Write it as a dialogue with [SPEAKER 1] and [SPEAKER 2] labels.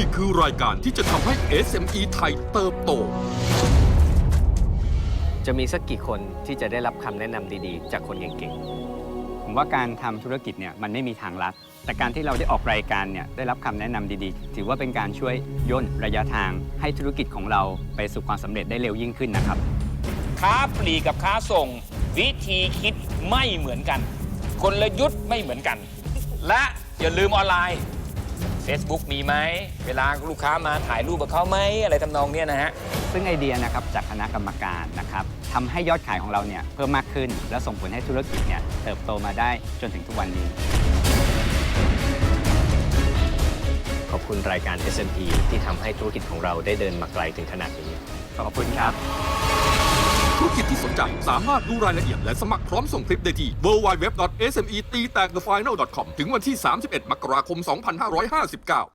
[SPEAKER 1] คือรายการที่จะทำให้ SME ไทยเติบโต
[SPEAKER 2] จะมีสักกี่คนที่จะได้รับคำแนะนำดีๆ จากคนเก่ง
[SPEAKER 3] ผมว่าการทำธุรกิจเนี่ยมันไม่มีทางลัดแต่การที่เราได้ออกรายการเนี่ยได้รับคำแนะนำดีๆ ถือว่าเป็นการช่วยย่นระยะทางให้ธุรกิจของเราไปสู่ความสำเร็จได้เร็วยิ่งขึ้นนะครับ
[SPEAKER 4] ค้าปลีกกับค้าส่ง วิธีคิดไม่เหมือนกันกลยุทธ์ไม่เหมือนกัน และอย่าลืมออนไลน์ Facebook มีไหมเวลาลูกค้ามาถ่ายรูปกับเขาไหมอะไรทำนองเนี้ยนะฮะ
[SPEAKER 3] ซึ่งไอเดียนะครับจากคณะกรรมการนะครับทำให้ยอดขายของเราเนี่ยเพิ่มมากขึ้น และส่งผลให้ธุรกิจเนี่ยเติบโตมาได้จนถึงทุกวันนี้
[SPEAKER 2] ๆ ขอบคุณรายการ SME ที่ทำให้ธุรกิจของเราได้เดินมาไกลถึงขนาดนี้
[SPEAKER 3] ขอบคุณครับ
[SPEAKER 1] ธุรกิจที่สนใจสามารถดูรายละเอียดและสมัครพร้อมส่งคลิปได้ที่ www.smeteaktagthefinal.com ถึงวันที่ 31 มกราคม 2559